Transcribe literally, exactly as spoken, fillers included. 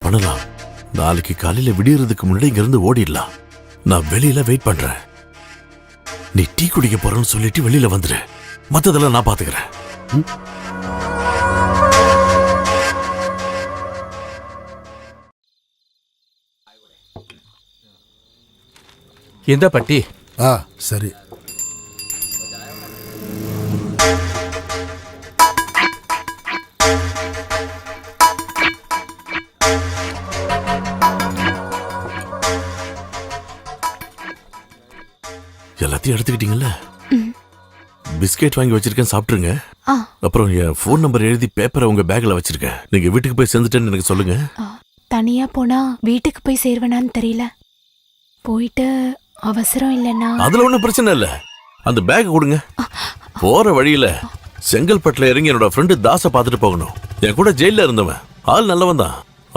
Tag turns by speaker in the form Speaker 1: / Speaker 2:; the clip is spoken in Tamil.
Speaker 1: பண்ணலாம். நாளைக்கு காலையில விடியறதுக்கு முன்னாடி இங்க இருந்து ஓடிடலாம். நான் வெளியில வெயிட் பண்றேன். நீ டீ குடிக்க போறேன்னு சொல்லிட்டு வெளியில வந்துரு. மத்ததெல்லாம் நான் பாத்துக்கிறேன்.
Speaker 2: எந்த பட்டி?
Speaker 3: ஆ சரி.
Speaker 1: எல்லாத்தையும் எடுத்துக்கிட்டீங்கல்ல? பிஸ்கெட் வாங்கி வச்சிருக்கேன், சாப்பிட்டுருங்க. அப்புறம் என் ஃபோன் நம்பர் எழுதி பேப்பரை உங்க பேக்ல வச்சிருக்கேன். நீங்க வீட்டுக்கு போய் சேர்ந்துட்டேன்னு எனக்கு சொல்லுங்க.
Speaker 4: தனியா போனா வீட்டுக்கு போய் சேர்வனான்னு தெரியல. போயிட்டு அவசரம் இல்லைன்னா
Speaker 1: அதுல ஒண்ணும் பிரச்சனை இல்ல. அந்த பேக் கொடுங்க. போற வழியில செங்கல்பட்டுல இறங்கி என்னோட ஃப்ரெண்டு தாச பாத்துட்டு போகணும். என் கூட ஜெயில இருந்தவன். ஆள் நல்லவன் தான்.